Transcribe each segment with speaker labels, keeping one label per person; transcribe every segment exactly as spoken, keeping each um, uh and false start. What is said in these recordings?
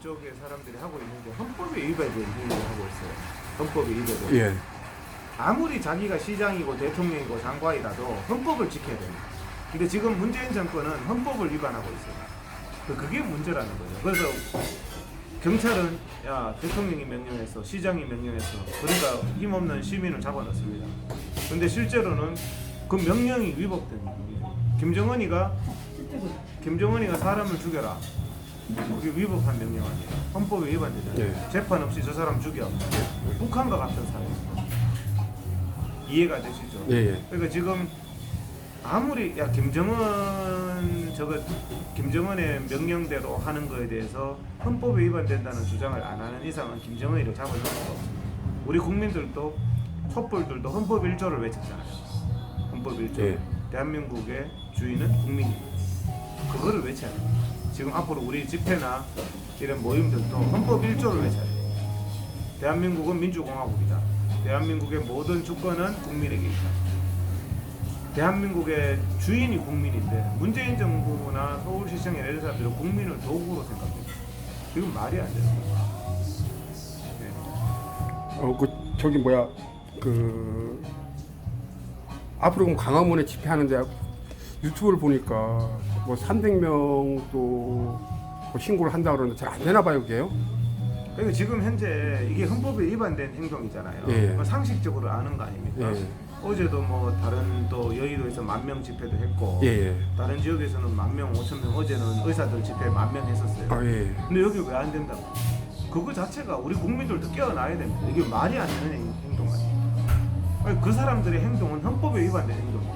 Speaker 1: 쪽의 사람들이 하고 있는 게 헌법에 위배된 행위를 하고 있어요. 헌법에 위배된.
Speaker 2: 예.
Speaker 1: 아무리 자기가 시장이고 대통령이고 장관이라도 헌법을 지켜야 됩니다. 근데 지금 문재인 정권은 헌법을 위반하고 있어요. 그게 문제라는 거죠. 그래서 경찰은 야 대통령이 명령했어, 시장이 명령했어. 그러니까 힘없는 시민을 잡아넣습니다. 근데 실제로는 그 명령이 위법된 거예요. 김정은이가 김정은이가 사람을 죽여라. 그게 위법한 명령 아니에요. 헌법에 위반되잖아요.
Speaker 2: 예.
Speaker 1: 재판 없이 저 사람 죽여. 북한과 같은 사회입니다. 이해가 되시죠?
Speaker 2: 예, 예.
Speaker 1: 그러니까 지금 아무리 야 김정은 저거 김정은의 명령대로 하는 거에 대해서 헌법에 위반된다는 주장을 안 하는 이상은 김정은이를 잡아줄 수가 없습니다. 우리 국민들도 촛불들도 헌법 일 조를 외쳤잖아요. 헌법 일 조.
Speaker 2: 예.
Speaker 1: 대한민국의 주인은 국민입니다. 그거를 외쳐야 돼요. 지금 앞으로 우리 집회나 이런 모임들도 헌법 일 조를 외쳐야 돼요. 대한민국은 민주공화국이다. 대한민국의 모든 주권은 국민에게 있다. 대한민국의 주인이 국민인데 문재인 정부나 서울시청의 이런 사람들은 국민을 도구로 생각합니다. 이건 말이 안 되는 거예요. 네.
Speaker 2: 어, 그 저기 뭐야 그 앞으로 그럼 광화문에 집회하는데 유튜브를 보니까 뭐 삼백 명도 뭐 신고를 한다 그러는데 잘 안 되나 봐요, 그게요?
Speaker 1: 그러니까 지금 현재 이게 헌법에 위반된 행동이잖아요.
Speaker 2: 예.
Speaker 1: 뭐 상식적으로 아는 거 아닙니까?
Speaker 2: 예.
Speaker 1: 어제도 뭐 다른 또 여의도에서 만 명 집회도 했고
Speaker 2: 예, 예.
Speaker 1: 다른 지역에서는 만 명, 오천 명 어제는 의사들 집회 만 명 했었어요.
Speaker 2: 아, 예.
Speaker 1: 근데 여기 왜 안 된다고? 그거 자체가 우리 국민들도 깨어나야 됩니다. 이게 말이 안 되는 행- 행동 아니에요. 아니, 그 사람들의 행동은 헌법에 위반된 행동이에요.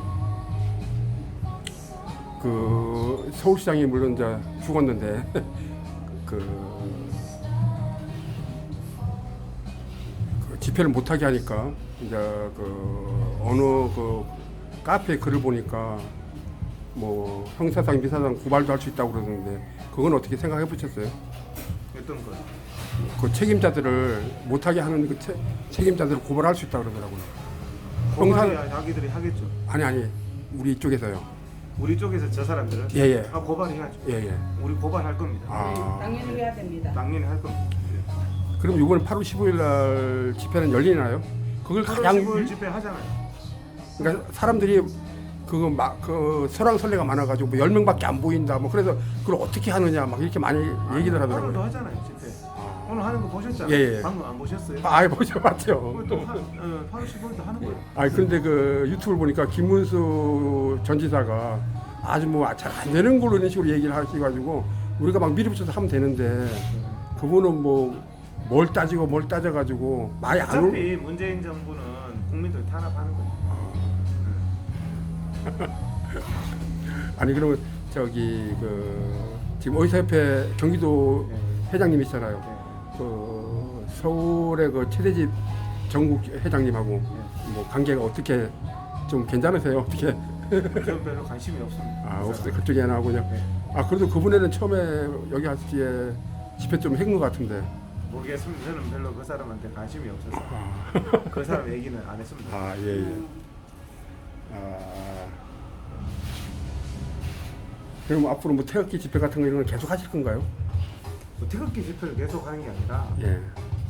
Speaker 2: 그 서울시장이 물론 이제 죽었는데 그, 그 집회를 못하게 하니까 이제 그 어느 그 카페 글을 보니까 뭐 형사상 민사상 고발도 할 수 있다고 그러는데 그건 어떻게 생각해 보셨어요?
Speaker 1: 어떤 거?
Speaker 2: 그 책임자들을 못하게 하는 그 채, 책임자들을 고발할 수 있다고 그러더라고요.
Speaker 1: 고발해야 자기들이 하겠죠.
Speaker 2: 아니 아니 우리 이쪽에서요.
Speaker 1: 우리 쪽에서 저 사람들은
Speaker 2: 예예.
Speaker 1: 아, 고발해야죠.
Speaker 2: 예예.
Speaker 1: 우리 고발할 겁니다.
Speaker 2: 아.
Speaker 3: 당연히 해야 됩니다.
Speaker 1: 당연히 할 겁니다.
Speaker 2: 그럼 이번 팔월 십오일 날 집회는 열리나요? 그걸
Speaker 1: 팔월
Speaker 2: 가장
Speaker 1: 십오일 집회 하잖아요.
Speaker 2: 그러니까 사람들이 그거 막그 설왕설래가 많아가지고 뭐 열 명밖에 안 보인다 뭐 그래서 그걸 어떻게 하느냐 막 이렇게 많이 얘기들
Speaker 1: 오늘도
Speaker 2: 하더라고요.
Speaker 1: 하잖아요 집회. 오늘 하는 거 보셨잖아요.
Speaker 2: 예, 예.
Speaker 1: 방금 안 보셨어요?
Speaker 2: 아, 아예 보죠 봤죠.
Speaker 1: 그걸 또 하- 어, 팔월 십오일도 하는 거예요.
Speaker 2: 아 그런데 그 유튜브를 보니까 김문수 전 지사가 아주 뭐 잘 안 되는 걸로 이런 식으로 얘기를 하셔가지고 우리가 막 밀어붙여서 하면 되는데 그분은 뭐 뭘 따지고 뭘 따져가지고 많이 안 올.
Speaker 1: 어차피 문재인 정부는 국민들 탄압하는 거예요.
Speaker 2: 아니 그러면 저기 그 지금 의사협회 경기도 회장님이시잖아요. 그 서울의 그 최대집 전국 회장님하고 뭐 관계가 어떻게 좀 괜찮으세요? 어떻게?
Speaker 1: 저는 별로 관심이 없습니다.
Speaker 2: 아 없어요. 그쪽에 안 하고 그냥. 아 그래도 그분에는 처음에 여기 왔을 때 집회 좀 한 것 같은데.
Speaker 1: 모르겠습니다. 저는 별로 그 사람한테 관심이 없어서
Speaker 2: 아,
Speaker 1: 그 사람 얘기는 안 했습니다.
Speaker 2: 아 예. 예. 아 그럼 앞으로 뭐 태극기 집회 같은 거 이런 걸 계속 하실 건가요?
Speaker 1: 뭐 태극기 집회를 계속 하는 게 아니라
Speaker 2: 예.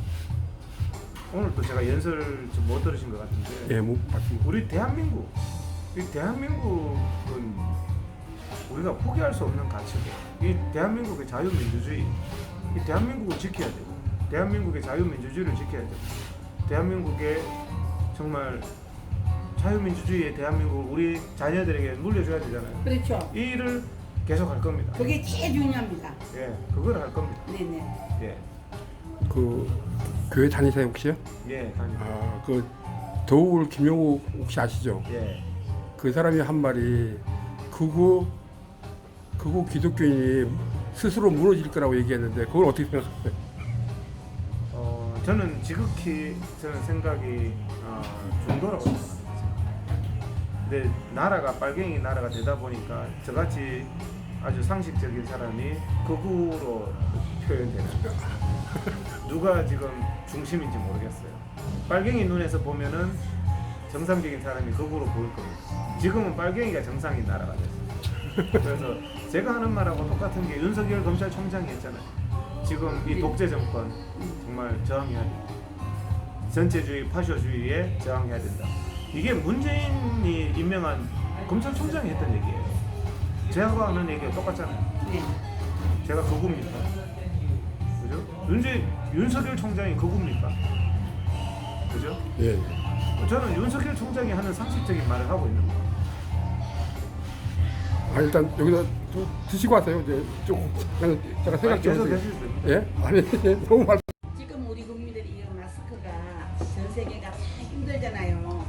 Speaker 1: 오늘 또 제가 연설 좀 못 들으신 것 같은데
Speaker 2: 예, 뭐 맞습니다.
Speaker 1: 우리 대한민국 이 대한민국은 우리가 포기할 수 없는 가치고 이 대한민국의 자유민주주의 이 대한민국을 지켜야 되고 대한민국의 자유민주주의를 지켜야 되고 대한민국의 정말 자유민주주의의 대한민국을 우리 자녀들에게 물려줘야 되잖아요.
Speaker 3: 그렇죠.
Speaker 1: 이 일을 계속 할 겁니다.
Speaker 3: 그게 제일 중요합니다.
Speaker 1: 예, 그걸 할 겁니다.
Speaker 3: 네네.
Speaker 1: 예,
Speaker 2: 그 교회 다니세요 혹시요?
Speaker 1: 예, 다니.
Speaker 2: 아, 그 도울 김용욱 혹시 아시죠?
Speaker 1: 예,
Speaker 2: 그 사람이 한 말이 극우 극우 기독교인이 스스로 무너질 거라고 얘기했는데 그걸 어떻게 생각하세요?
Speaker 1: 어, 저는 지극히 저는 생각이 어, 중도라고 생각합니다. 근데 나라가 빨갱이 나라가 되다 보니까 저같이 아주 상식적인 사람이 극우로 표현되는 누가 지금 중심인지 모르겠어요. 빨갱이 눈에서 보면은 정상적인 사람이 극우로 보일 겁니다. 지금은 빨갱이가 정상인 나라가 됐어요. 그래서 제가 하는 말하고 똑같은 게 윤석열 검찰총장이 했잖아요. 지금 이 독재 정권 정말 저항해야 된다. 전체주의, 파쇼주의에 저항해야 된다. 이게 문재인이 임명한 검찰총장이 했던 얘기예요. 제가 하는 얘기가 똑같잖아요.
Speaker 3: 네.
Speaker 1: 제가 거구입니까? 그죠? 윤재, 윤석열 총장이 거구입니까? 그죠?
Speaker 2: 예.
Speaker 1: 저는 윤석열 총장이 하는 상식적인 말을 하고 있는 거예요.
Speaker 2: 아 일단 여기서 좀 드시고 하세요. 이제 조금 그냥 제가 생각
Speaker 1: 아니,
Speaker 2: 좀
Speaker 1: 계속
Speaker 2: 해서.
Speaker 1: 하셔도 됩니다.
Speaker 2: 예? 아니 너무 말.
Speaker 3: 지금 우리 국민들이 이 마스크가 전 세계가 다 힘들잖아요.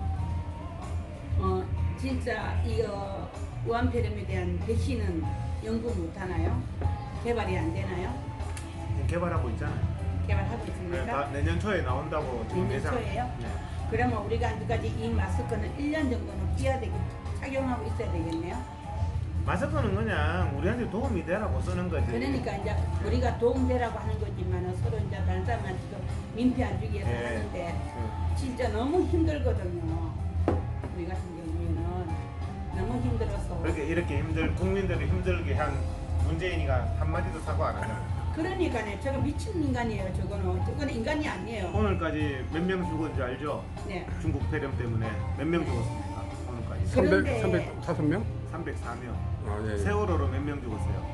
Speaker 3: 어 진짜 이거 우한폐렴에 대한 백신은 연구 못 하나요? 개발이 안 되나요?
Speaker 1: 개발하고 있잖아요.
Speaker 3: 개발하고
Speaker 1: 네,
Speaker 3: 있습니까?
Speaker 1: 다 내년 초에 나온다고 지금
Speaker 3: 내년
Speaker 1: 예상.
Speaker 3: 초에요?
Speaker 1: 네.
Speaker 3: 그러면 우리가 아직까지 이 마스크는 일 년 정도는 끼야 되겠, 착용하고 있어야 되겠네요.
Speaker 1: 마스크는 그냥 우리한테 도움이 되라고 쓰는 거지.
Speaker 3: 그러니까 이제 우리가 도움되라고 하는 거지만은 서로 이제 다른 사람한테 좀 민폐 안 주기 위해서
Speaker 1: 예.
Speaker 3: 하는데
Speaker 1: 네.
Speaker 3: 진짜 너무 힘들거든요. 우리 같은 경우에는 너무 힘들어서.
Speaker 1: 그렇게 이렇게 힘들 국민들을 힘들게 한 문재인이가 한 마디도 사과 안 하잖아요.
Speaker 3: 그러니까요. 저거 미친 인간이에요. 저거는 저거는 인간이 아니에요.
Speaker 1: 오늘까지 몇 명 죽었는지 알죠?
Speaker 3: 네.
Speaker 1: 중국 폐렴 때문에 몇 명 죽었습니까? 오늘까지
Speaker 3: 그래.
Speaker 2: 삼백
Speaker 3: 그런데-
Speaker 2: 삼백다섯 명?
Speaker 1: 삼백사 명.
Speaker 2: 아 예. 예.
Speaker 1: 세월호로 몇 명 죽었어요?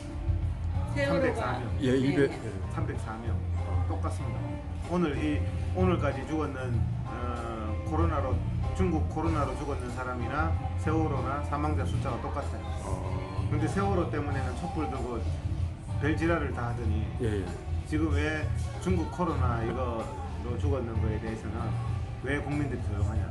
Speaker 3: 세월호가
Speaker 1: 삼백사 명.
Speaker 2: 예, 이백.
Speaker 3: 네.
Speaker 1: 삼백사 명. 똑같습니다. 오늘 이 오늘까지 죽었는 어, 코로나로 중국 코로나로 죽었는 사람이나 세월호나 사망자 숫자가 똑같아요.
Speaker 2: 어,
Speaker 1: 근데 세월호 때문에는 촛불 들고 별지랄을 다 하더니
Speaker 2: 예, 예.
Speaker 1: 지금 왜 중국 코로나 이거로 죽었는 거에 대해서는 왜 국민들이 조용하냐?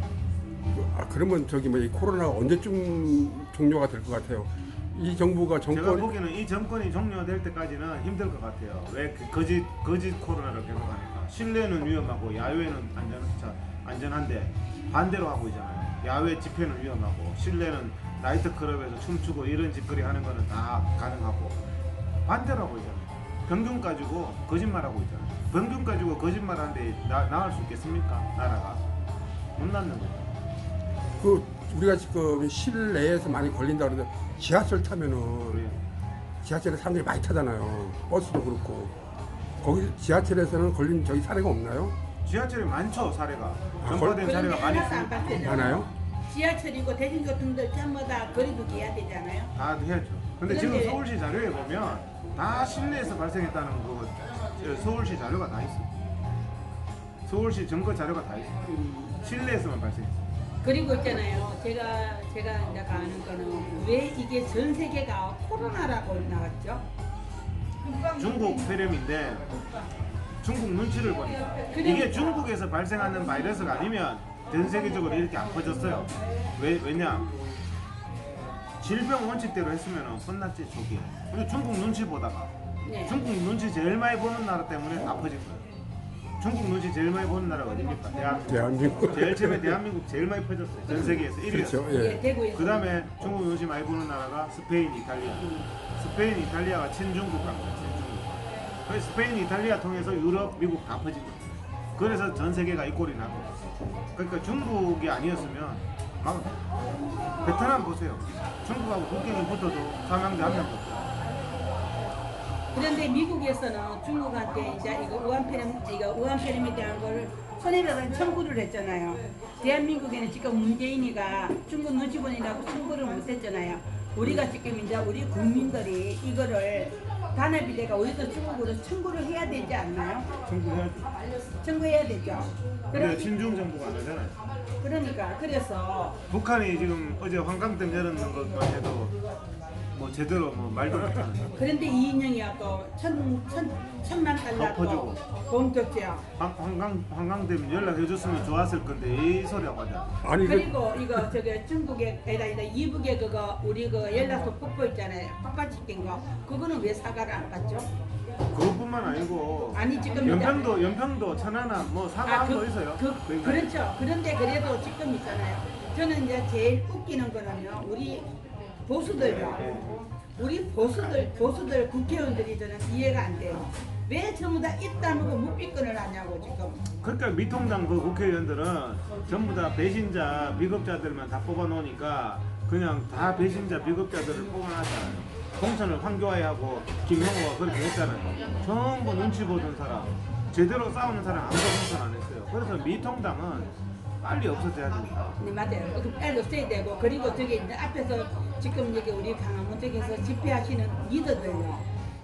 Speaker 2: 아 그러면 저기 뭐 이 코로나가 언제쯤 종료가 될 것 같아요? 이 정부가
Speaker 1: 제가
Speaker 2: 정권
Speaker 1: 보기에는 이 정권이 종료될 때까지는 힘들 것 같아요. 왜 그 거짓 거짓 코로나를 계속하니까 실내는 위험하고 야외는 안전 자, 안전한데 반대로 하고 있잖아요. 야외 집회는 위험하고 실내는 나이트 클럽에서 춤추고 이런 짓거리 하는 거는 다 가능하고 반대로 하고 있잖아요. 병균 가지고 거짓말하고 있잖아요. 병균 가지고 거짓말하는데 나, 나을 수 있겠습니까? 나라가 못 낳는 거죠.
Speaker 2: 그 우리가 지금 실내에서 많이 걸린다 그러는데 지하철 타면은
Speaker 1: 우리
Speaker 2: 지하철에 사람들이 많이 타잖아요. 버스도 그렇고 거기 지하철에서는 걸린 저기 사례가 없나요?
Speaker 1: 지하철이 많죠 사례가.
Speaker 2: 아,
Speaker 1: 전파된
Speaker 3: 그런데
Speaker 1: 사례가 많이
Speaker 3: 하나도 안
Speaker 1: 있습니다.
Speaker 3: 바뀌어요.
Speaker 2: 많아요?
Speaker 3: 지하철이고 대중교통들 전부 다 거리두기 해야 되잖아요.
Speaker 1: 다 해야죠. 근데 지금
Speaker 3: 그런데-
Speaker 1: 서울시 자료에 보면 다 실내에서 발생했다는 거 저 서울시 자료가 다 있어요. 서울시 증거 자료가 다 있어요. 실내에서만 발생했어요.
Speaker 3: 그리고 있잖아요. 제가 제가 이제 아는 거는 왜 이게 전 세계가 코로나라고 나왔죠?
Speaker 1: 중국 폐렴인데 중국 눈치를 보니까 이게 중국에서 발생하는 바이러스가 아니면 전 세계적으로 이렇게 안 퍼졌어요. 왜 왜냐? 질병 원칙대로 했으면 혼났지 초기에. 근데 중국 눈치 보다가
Speaker 3: 네.
Speaker 1: 중국 눈치 제일 많이 보는 나라 때문에 다 퍼진 거예요. 중국 눈치 제일 많이 보는 나라가 어디입니까? 대한민국.
Speaker 2: 대한민국.
Speaker 1: 제일 처음에 대한민국 제일 많이 퍼졌어요. 전 세계에서 일 위였어요.
Speaker 2: 그렇죠.
Speaker 3: 예,
Speaker 2: 예.
Speaker 3: 대구에서.
Speaker 1: 그 다음에 중국 눈치 많이 보는 나라가 스페인, 이탈리아. 스페인, 이탈리아가 친중국 갑니다. 친중국. 그래서 스페인, 이탈리아 통해서 유럽, 미국 다 퍼진 거예요. 그래서 전 세계가 이 꼴이 난 거예요. 그러니까 중국이 아니었으면 막 베트남 보세요. 중국하고 국경이 붙어도 사망자 한 명도 없어요.
Speaker 3: 그런데 미국에서는 중국한테 이제 이거 우한폐렴 이거 우한폐렴에 대한 거를 손해배상 청구를 했잖아요. 대한민국에는 지금 문재인이가 중국 눈치 보느라고 청구를 못 했잖아요. 우리가 지금 이제 우리 국민들이 이거를 단합이대가 우리도 중국으로 청구를 해야 되지 않나요?
Speaker 1: 청구해야죠.
Speaker 3: 청구해야 되죠.
Speaker 1: 근데
Speaker 3: 그럼
Speaker 1: 친중 정부가 안 하잖아요.
Speaker 3: 그러니까 그래서
Speaker 1: 북한이 지금 어제 환강댐 열었는 것만 해도 뭐 제대로 뭐 말도 못하는.
Speaker 3: 그런데 이인영이 아까 천, 천, 천만 달러
Speaker 1: 덮어주고.
Speaker 3: 공격죄야.
Speaker 1: 황- 황강 황강댐 연락해줬으면 좋았을 건데 이 소리하고 하자.
Speaker 2: 아니 그
Speaker 3: 그리고 이거 저기 중국에 아니다 아니다 이북에 그거 우리 그 연락소 폭포 있잖아요. 폭발시킨 거 그거는 왜 사과를 안 받죠?
Speaker 1: 그것뿐만 아니고
Speaker 3: 아니 지금
Speaker 1: 연평도 연평도 천안함 뭐 사과한
Speaker 3: 그,
Speaker 1: 거 있어요.
Speaker 3: 그,
Speaker 1: 그러니까
Speaker 3: 그렇죠. 그런데 그래도 지금 있잖아요. 저는 이제 제일 웃기는 거는요. 우리 보수들요. 우리 보수들 보수들 국회의원들이 저는 이해가 안 돼요. 왜 전부 다 입다물고 묵비권을 하냐고 지금.
Speaker 1: 그러니까 미통당 그 국회의원들은 전부 다 배신자 비겁자들만 다 뽑아놓으니까 그냥 다 배신자 비겁자들을 뽑아놨잖아요. 공천을 황교안하고 김영호가 그렇게 했잖아요. 전부 눈치 보던 사람, 제대로 싸우는 사람 아무도 공천 안 했어요. 그래서 미통당은 빨리 없어져야 됩니다.
Speaker 3: 네, 맞아요. 그 빨리 없애야 되고, 그리고 저기 이제 앞에서 지금 여기 우리 강화문 쪽에서 집회하시는 리더들요.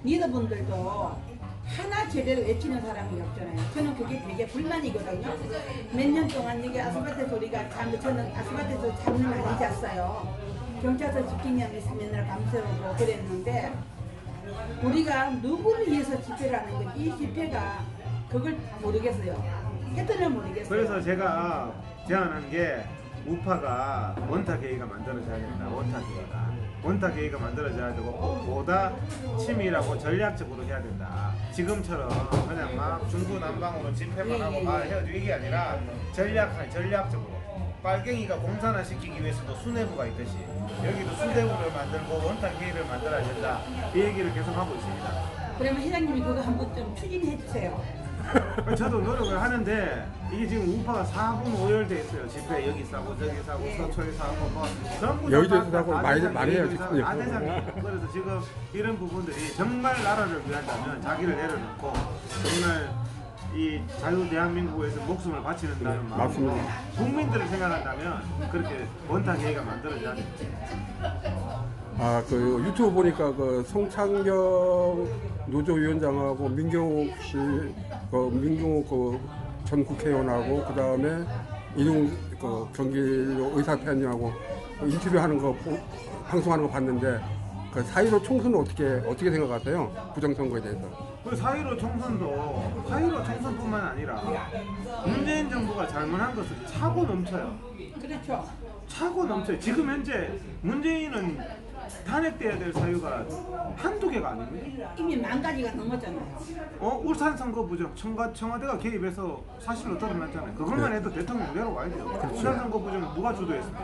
Speaker 3: 리더분들도 하나 제대로 외치는 사람이 없잖아요. 저는 그게 되게 불만이거든요. 몇 년 동안 여기 아스팔트 소리가 참, 저는 아스팔트에서 잠을 많이 잤어요. 경찰서 지키면 맨날 밤새우고 그랬는데, 우리가 누구를 위해서 집회를 하는 건지, 이 집회가 그걸 모르겠어요. 패턴을 모르겠어요.
Speaker 1: 그래서 제가 제안한 게 우파가 원탁 회의가 만들어져야 된다. 원탁 회의가 원탁 회의가 만들어져야 되고 보다 치밀하고 전략적으로 해야 된다. 지금처럼 그냥 막 중구난방으로 집회만
Speaker 3: 예,
Speaker 1: 하고
Speaker 3: 예,
Speaker 1: 말
Speaker 3: 예.
Speaker 1: 해가지고 이게 아니라 전략 전략적으로 빨갱이가 공산화 시키기 위해서도 수뇌부가 있듯이 여기도 수뇌부를 만들고 원탁 회의를 만들어야 된다. 이 얘기를 계속 하고 있습니다.
Speaker 3: 그러면 회장님이 그거 한번 좀 추진해 주세요.
Speaker 1: 저도 노력을 하는데 이게 지금 우파가 사분 오열돼 있어요. 집회 여기 싸고 저기 싸고
Speaker 3: 예.
Speaker 1: 서초에 싸고 뭐 전부
Speaker 2: 여의도에서
Speaker 1: 다
Speaker 2: 싸고
Speaker 1: 다
Speaker 2: 많이-
Speaker 1: 대상,
Speaker 2: 많이 해요,
Speaker 1: 여의도에서
Speaker 2: 지금.
Speaker 1: 다 대상이에요. 그래서 지금 이런 부분들이 정말 나라를 위한다면 자기를 내려놓고 정말 이 자유 대한민국에서 목숨을 바치는다는 마음,
Speaker 2: 맞습니다.
Speaker 1: 국민들을 생각한다면 그렇게 원탁 회의가 만들어져야 됩니다.
Speaker 2: 아, 그 유튜브 보니까 그 송창경 노조위원장하고 민경욱 씨, 그 민경욱 그 전 국회의원하고 그 다음에 이동 그 경기도 의사편님하고 인터뷰하는 거 보- 방송하는 거 봤는데 그 사일오 총선은 어떻게 어떻게 생각하세요? 부정선거에 대해서?
Speaker 1: 그 사일오 총선도 사일오 총선뿐만 아니라 문재인 정부가 잘못한 것은 차고 넘쳐요.
Speaker 3: 그렇죠.
Speaker 1: 차고 넘쳐요. 지금 현재 문재인은 탄핵돼야 될 사유가 한두 개가 아닙니다.
Speaker 3: 이미 만 가지가 넘었잖아요.
Speaker 1: 어? 울산 선거 부정 청가, 청와대가 개입해서 사실로 드러났잖아요. 그것만 해도 대통령 내려와야 돼요. 울산 선거 부정 누가 주도했습니까?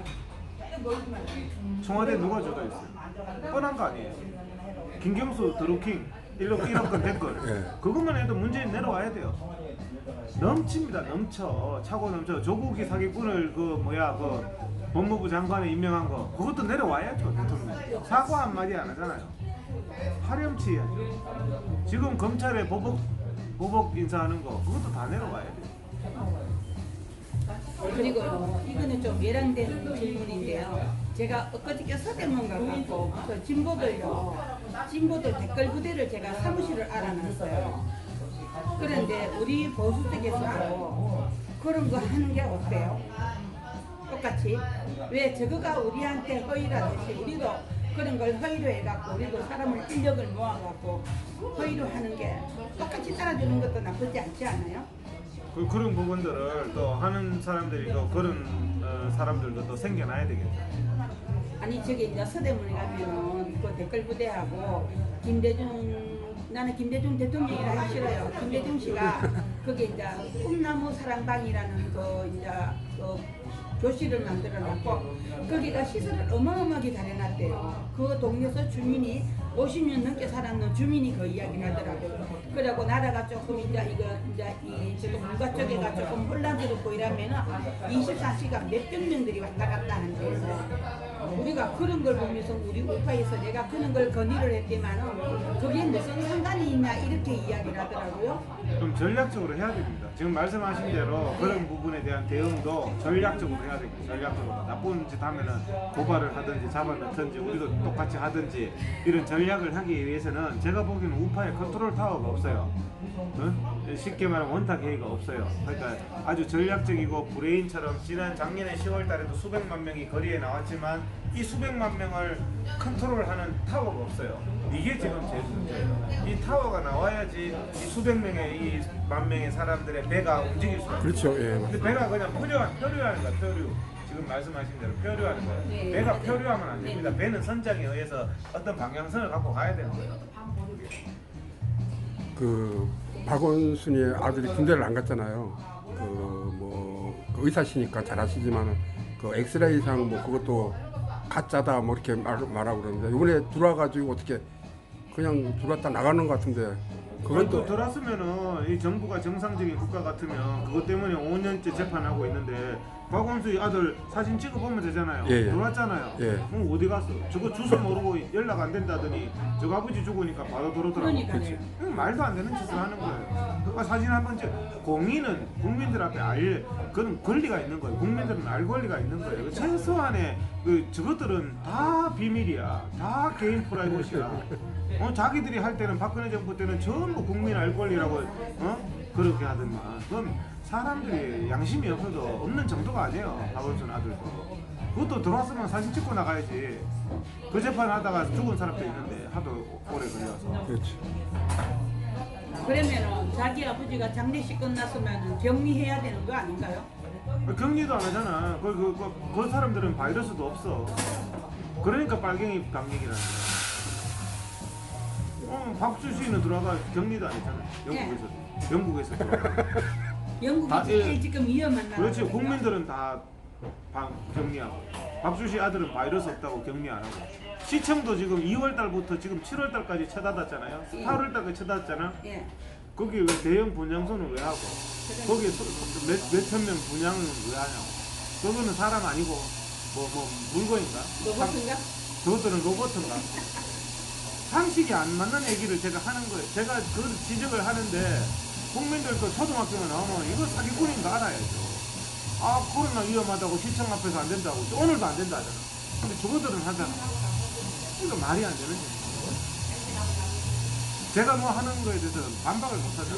Speaker 1: 청와대 누가 주도했어요? 뻔한 거 아니에요. 김경수 드루킹 일억 일억 건 댓글
Speaker 2: 예.
Speaker 1: 그것만 해도 문재인 내려와야 돼요. 넘칩니다. 넘쳐. 차고 넘쳐. 조국이 사기꾼을 그 뭐야 그 법무부 장관에 임명한 거 그것도 내려와야죠. 대통령 사과 한마디 안 하잖아요. 파렴치 해야죠. 지금 검찰에 보복 보복 인사하는 거 그것도 다 내려와야 돼요.
Speaker 3: 그리고 이거는 좀 예란된 질문인데요. 제가 엊그저께 서대문 가고 그 진보들요, 진보들 댓글 부대를 제가 사무실을 알아놨어요. 그런데 우리 보수 쪽에서도 그런 거 하는 게 어때요? 똑같이 왜 저거가 우리한테 허위라듯이 우리도 그런 걸 허위로 해갖고 우리도 사람을 인력을 모아갖고 허위로 하는 게 똑같이 따라주는 것도 나쁘지 않지 않아요?
Speaker 1: 그, 그런 부분들을 또 하는 사람들이 또 그런 어, 사람들도 또 생겨나야 되겠죠.
Speaker 3: 아니 저기 이제 서대문에 가면은 그 댓글 부대하고 김대중 나는 김대중 대통령이라 하기 싫어요. 김대중 씨가 거기 이제 꿈나무 사랑방이라는 그 이제 그 교실을 만들어놨고 거기가 시설을 어마어마하게 잘 해놨대요. 그 동네에서 주민이 오십 년 넘게 살았는 주민이 그 이야기를 하더라고요. 그리고 나라가 조금 이제 이거 이제 이 지금 물가 쪽에가 조금 혼란스럽고 이러면은 이십사 시간 몇백 명들이 왔다 갔다 하는데 우리가 그런 걸 보면서 우리 우파에서 내가 그런 걸 건의를 했지만은 그게 무슨 상관이 있냐 이렇게 이야기를 하더라고요.
Speaker 1: 좀 전략적으로 해야 됩니다. 지금 말씀하신 대로 그런 부분에 대한 대응도 전략적으로 해야 됩니다. 전략적으로 나쁜 짓 하면은 고발을 하든지 잡아넣든지 우리도 똑같이 하든지 이런 전략을 하기 위해서는 제가 보기에는 우파에 컨트롤 타워가 없어요. 응? 쉽게 말하면 원탁 회의가 없어요. 그러니까 아주 전략적이고 브레인처럼 지난 작년에 시월 달에도 수백만 명이 거리에 나왔지만 이 수백만 명을 컨트롤하는 타워가 없어요. 이게 지금 제일 문제예요. 이 타워가 나와야지 이 수백 명의 이 만 명의 사람들의 배가 움직일 수 있어요.
Speaker 2: 그렇죠. 예.
Speaker 1: 근데 배가 그냥 표류한, 표류하는 거야, 표류. 지금 말씀하신 대로 표류하는 거예요.
Speaker 3: 네.
Speaker 1: 배가 표류하면 안 됩니다. 배는 선장에 의해서 어떤 방향성을 갖고 가야 되는 거예요.
Speaker 2: 그 박원순이의 아들이 군대를 안 갔잖아요. 그뭐 그 의사시니까 잘 아시지만 그 엑스레이상 뭐 그것도 가짜다 뭐 이렇게 말, 말하고 그러는데 이번에 들어와가지고 어떻게 그냥 들어왔다 나가는 것 같은데 그건 또
Speaker 1: 들었으면은 이 정부가 정상적인 국가 같으면 그것 때문에 오 년째 재판하고 있는데 박원수의 아들 사진 찍어보면 되잖아요.
Speaker 2: 예, 예.
Speaker 1: 돌았잖아요.
Speaker 2: 예.
Speaker 1: 그럼 어디 갔어? 저거 주소 모르고 연락 안 된다더니 저거 아버지 죽으니까 바로 돌아더라고.
Speaker 3: 그러니까요.
Speaker 1: 음, 말도 안 되는 짓을 하는 거예요. 아, 사진 한번 찍. 공인은 국민들 앞에 알 그건 권리가 있는 거예요. 국민들은 알 권리가 있는 거예요. 최소한의 그 저것들은 다 비밀이야. 다 개인 프라이버시야. 어, 자기들이 할 때는 박근혜 정부 때는 전부 국민 알 권리라고 어 그렇게 하더만. 그건 사람들이 양심이 없어도 없는 정도가 아니에요. 박원순 아들도. 그것도 들어왔으면 사진 찍고 나가야지. 그 재판 하다가 죽은 사람도 있는데 하도 오래 걸려서.
Speaker 2: 그렇지.
Speaker 3: 그러면은 자기 아버지가 장례식 끝났으면 격리해야 되는 거 아닌가요?
Speaker 1: 격리도 안 하잖아. 그, 그, 그, 그 사람들은 바이러스도 없어. 그러니까 빨갱이 방역이라는 거야. 어, 박수씨는 들어가 격리도 안 했잖아. 영국에서. 영국에서 들어가.
Speaker 3: 영국이
Speaker 1: 아,
Speaker 3: 제일
Speaker 1: 예.
Speaker 3: 지금 위험한 나라.
Speaker 1: 그렇지. 국민들은 다 방, 격리하고. 박수씨 아들은 바이러스 없다고 격리 안 하고. 시청도 지금 이월 달부터 지금 칠월 달까지 쳐닫았잖아요.
Speaker 3: 예.
Speaker 1: 팔월 달까지 쳐닫았잖아.
Speaker 3: 예.
Speaker 1: 거기 왜 대형 분양소는 왜 하고? 거기에 몇, 몇천 명 분양은 왜 하냐고. 그거는 사람 아니고 뭐 뭐 물건인가?
Speaker 3: 로봇인가?
Speaker 1: 저것들은 로봇인가? 상식이 안 맞는 얘기를 제가 하는 거예요. 제가 그 지적을 하는데 국민들도 초등학교만 나오면 이거 사기꾼인가 알아야죠. 아 코로나 위험하다고 시청 앞에서 안 된다고 오늘도 안 된다 하잖아. 근데 저거들은 하잖아. 이거 말이 안 되는 거예요. 제가 뭐 하는 거에 대해서 반박을 못 하죠.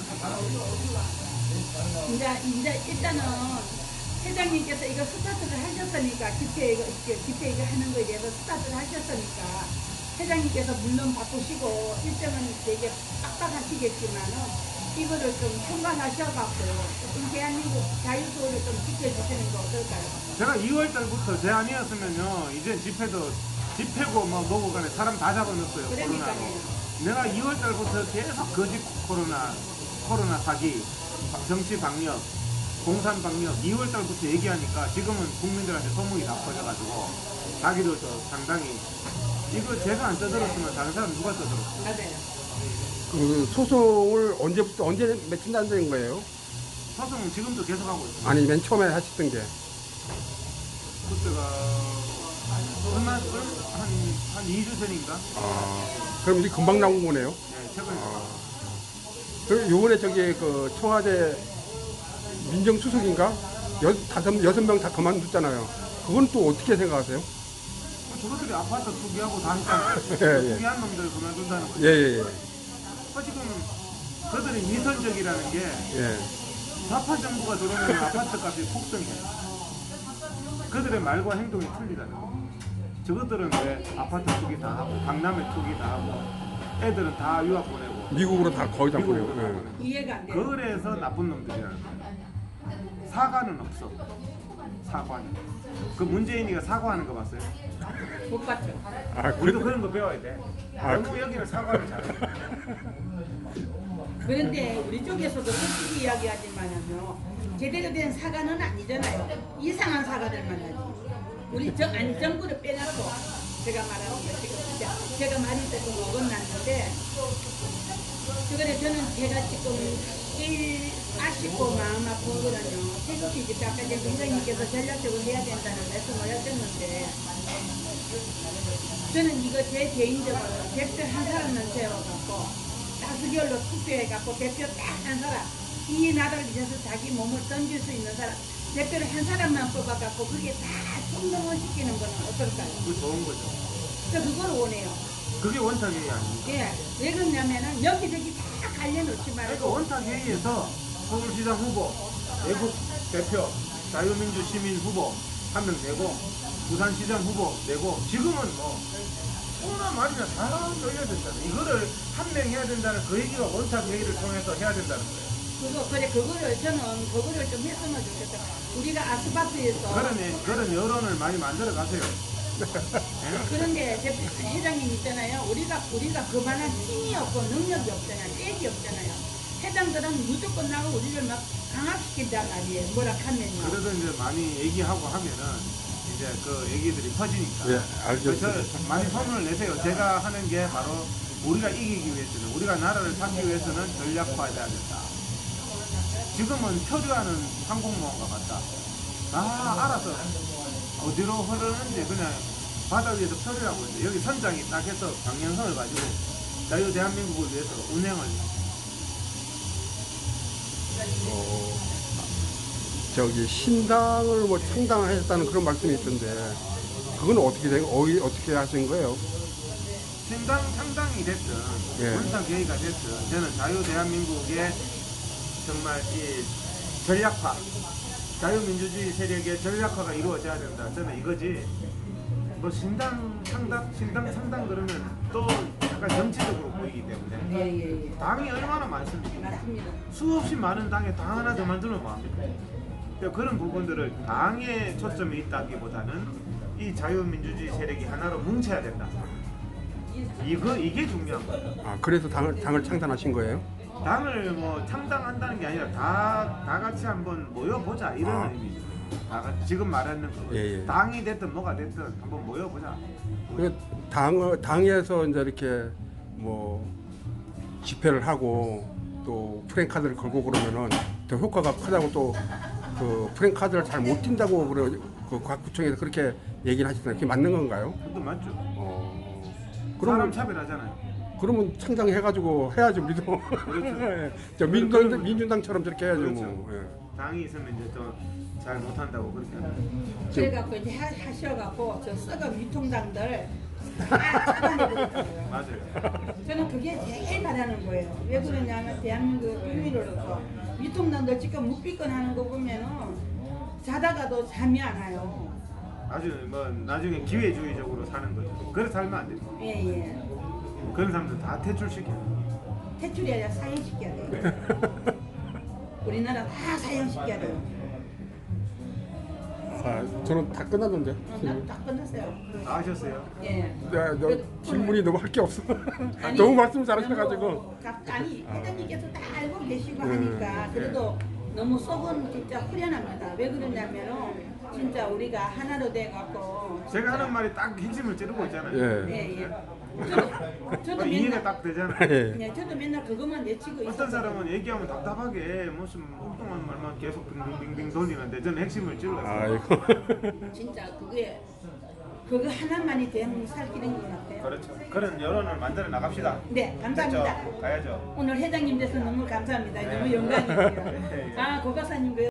Speaker 3: 이제 이제 일단은 회장님께서 이거 스타트를 하셨으니까 집회 이거 이렇게 집회 이거 하는 거에 대해서 스타트를 하셨으니까 회장님께서 물론 바쁘시고 일정은 되게 빡빡하시겠지만은 이거를 좀 총괄하셔갖고 좀 대한민국 자유수호를 좀 지켜주시는 거 어떨까요?
Speaker 1: 제가 이월 달부터 제 아니었으면요 이제 집회도 집회고 뭐 뭐고 간에 사람 다 잡아놨어요.
Speaker 3: 그러니까요.
Speaker 1: 코로나로. 내가 이월 달부터 계속 거짓 코로나 코로나 사기 정치 방역 공산 방역 이월 달부터 얘기하니까 지금은 국민들한테 소문이 다 퍼져가지고 자기들도 상당히 이거 제가 안 떠들었으면 다른 사람 누가 떠들었어?
Speaker 3: 맞아요.
Speaker 2: 그 소송을 언제부터 언제 맺힌다는 거예요?
Speaker 1: 소송은 지금도 계속 하고 있어요.
Speaker 2: 아니 맨 처음에 하셨던 게.
Speaker 1: 그때가 얼마 한한 이 주 전인가?
Speaker 2: 아, 그럼 이제 금방 나온 거네요.
Speaker 1: 네, 최근에.
Speaker 2: 그럼 요번에 저기 그 청와대 민정수석인가? 여, 다섯, 여섯 명 다 그만뒀잖아요. 그건 또 어떻게 생각하세요?
Speaker 1: 저것들이 아파트 투기하고 다 했잖아요.
Speaker 2: 예, 예.
Speaker 1: 투기한 놈들 그만둔다는 거죠.
Speaker 2: 예, 예, 예.
Speaker 1: 어, 지금 그들이 미선적이라는 게
Speaker 2: 예.
Speaker 1: 좌파 정부가 들어오면 아파트 값이 폭등해요. 그들의 말과 행동이 틀리다는 거. 저것들은 왜 아파트 투기 다 하고 강남에 투기 다 하고 애들은 다 유학 보내고
Speaker 2: 미국으로 다 거의 다
Speaker 1: 미국으로
Speaker 2: 보내고.
Speaker 1: 다
Speaker 2: 예.
Speaker 1: 보내고.
Speaker 3: 이해가 안 돼요.
Speaker 1: 그래서 나쁜 놈들이라는 거예요. 사과는 없어. 사과는. 그 문재인이가 사과하는 거 봤어요?
Speaker 3: 못 봤죠.
Speaker 2: 아,
Speaker 1: 우리도
Speaker 2: 그,
Speaker 1: 그런 거 배워야 돼.
Speaker 2: 아,
Speaker 1: 영국 여기는 사과를 잘해.
Speaker 3: 그런데 우리 쪽에서도 솔직히 이야기하지만은요 제대로 된 사과는 아니잖아요. 이상한 사과들만 하지. 우리 정, 아니 정부를 빼놨고 제가 말하는 거 지금 진짜 제가 많이 조금 어긋났는데 그래 저는 제가 지금 제일 아쉽고 마음 아픈 거는요 태극기 집회 아까 이제 위원님께서 전략적으로 해야 된다는 말씀을 하셨는데 저는 이거 제 개인적으로 대표 한 사람만 세워갖고 다수결로 투표해갖고 대표 딱 한 사람 이 나라를 위해서 자기 몸을 던질 수 있는 사람 대표를 한 사람만 뽑아갖고 그게 다 총동원 시키는 거는 어떨까요?
Speaker 1: 그거 좋은 거죠.
Speaker 3: 저 그걸 원해요.
Speaker 1: 그게 원탁회의 아닙니까?
Speaker 3: 예, 왜 그러냐면은 여기저기 다 갈려놓지
Speaker 1: 그러니까
Speaker 3: 말고
Speaker 1: 원탁회의에서 서울시장 후보, 애국 대표, 자유민주 시민 후보 한 명 내고 부산시장 후보 내고 지금은 뭐 코로나 말이나 다 열려야 된다는 이거를 한 명 해야 된다는 그 얘기가 원탁회의를 통해서 해야 된다는 거예요.
Speaker 3: 그거 그래 그거를 저는 그거를 좀 했으면 좋겠다. 우리가 아스파트에서
Speaker 1: 그러니 그런 여론을 많이 만들어 가세요. 예?
Speaker 3: 그런데 대표 회장님 있잖아요. 우리가 우리가 그만한 힘이 없고 능력이 없잖아요. 떼기 없잖아요. 회장들은 무조건 나고 우리를 막 강압시킨단 말이에요. 뭐라 하면요.
Speaker 1: 그래도 이제 많이 얘기하고 하면은 이제 그 얘기들이 퍼지니까.
Speaker 2: 예, 알겠습니다.
Speaker 1: 그래서 많이 소문을 내세요. 제가 하는 게 바로 우리가 이기기 위해서는, 우리가 나라를 잡기 위해서는 전략화해야 된다. 지금은 표류하는 항공모함과 같다. 다 알아서 어디로 흐르는지 그냥 바다 위에서 표류하고 있는데, 여기 선장이 딱 해서 방향성을 가지고 자유 대한민국을 위해서 운행을
Speaker 2: 어, 저기 신당을 뭐 창당하셨다는 그런 말씀이 있던데 그건 어떻게 된 어이 어떻게 하신 거예요?
Speaker 1: 신당 창당이 됐든
Speaker 2: 예.
Speaker 1: 문상 계기가 됐든 저는 자유 대한민국의 정말 이 전략화, 자유민주주의 세력의 전략화가 이루어져야 된다. 저는 이거지. 뭐 신당 창당, 신당 창당 그러면 또 약간 정치적으로 보이기 때문에
Speaker 3: 예, 예,
Speaker 1: 당이 얼마나 많습니까?
Speaker 3: 맞습니다.
Speaker 1: 수없이 많은 당에 당 하나 더 만들면 뭐합니까? 그러니까 그런 부분들을 당에 초점이 있다기보다는 이 자유민주주의 세력이 하나로 뭉쳐야 된다. 이거 이게 중요한 거예요.
Speaker 2: 아 그래서 당을 당을 창단하신 거예요?
Speaker 1: 당을 뭐 창당한다는 게 아니라 다, 다 같이 한번 모여보자 이런
Speaker 2: 아.
Speaker 1: 의미죠. 다 같이 지금 말하는 거.
Speaker 2: 예, 예.
Speaker 1: 당이 됐든 뭐가 됐든 한번 모여보자.
Speaker 2: 그 당 당에서 이제 이렇게 뭐 집회를 하고 또 프랭카드를 걸고 그러면은 더 효과가 크다고 또 그 프랭카드를 잘 못 띈다고 그래 그 각 구청에서 그렇게 얘기를 하시던데 그게 맞는 건가요?
Speaker 1: 그것도 맞죠.
Speaker 2: 어
Speaker 1: 사람
Speaker 2: 그러면
Speaker 1: 차별하잖아요.
Speaker 2: 그러면 창당해가지고 해야죠 우리도.
Speaker 1: 그렇죠.
Speaker 2: 저 민주당 민주당처럼 저렇게 해야죠
Speaker 1: 그렇죠.
Speaker 2: 뭐. 예.
Speaker 1: 당이 있으면 이제 또 잘 못한다고 그렇게 하는.
Speaker 3: 그래갖고 이제 하- 하셔갖고 저 썩은 유통당들 다 잡아내버렸어요.
Speaker 1: 맞아요.
Speaker 3: 저는 그게 제일 바라는 거예요. 왜 그러냐면 대한민국 국민으로서 유통당들 지금 묵비권하는 거 보면은 자다가도 잠이 안 와요.
Speaker 1: 아주 뭐 나중에 기회주의적으로 사는 거죠. 그래 살면 안 됩니다.
Speaker 3: 예예.
Speaker 1: 그런 사람들 다 퇴출시켜요.
Speaker 3: 퇴출이 아니라 사형시켜야 돼요. 우리나라 다 사형시켜야 돼요.
Speaker 2: 아, 저는 다 끝났는데.
Speaker 3: 어, 나딱 끝났어요.
Speaker 1: 다 하셨어요?
Speaker 3: 예.
Speaker 2: 네, 너 질문이 너무 할 게 없어.
Speaker 3: 아니,
Speaker 2: 너무 말씀 잘하셔가지고.
Speaker 3: 너무 각- 아니 회장님께서 다 알고 계시고
Speaker 2: 음,
Speaker 3: 하니까 그래도 너무 속은 진짜 후련합니다. 왜 그러냐면은 진짜 우리가 하나로 돼갖고
Speaker 1: 제가 하는 말이 딱 핵심을 찌르고 있잖아요.
Speaker 2: 예.
Speaker 3: 예예. 저도 저도
Speaker 1: 어, 이해가
Speaker 3: 맨날
Speaker 1: 딱 되잖아요.
Speaker 2: 예.
Speaker 3: 네, 저도 맨날 그것만 내치고
Speaker 1: 어떤
Speaker 3: 있었어요.
Speaker 1: 사람은 얘기하면 답답하게 무슨 엉뚱한 말만 계속 빙빙빙빙 돌리는데 저는 핵심을 찔러요.
Speaker 2: 아이고.
Speaker 3: 진짜 그게 그거 하나만이 대한민국 살 길인 것 같아요.
Speaker 1: 그렇죠. 그런 여론을 만들어 나갑시다.
Speaker 3: 네, 감사합니다.
Speaker 1: 됐죠? 가야죠.
Speaker 3: 오늘 회장님 돼서 너무 감사합니다. 너무 영광이에요.
Speaker 1: 네.
Speaker 3: 아, 고 박사님 그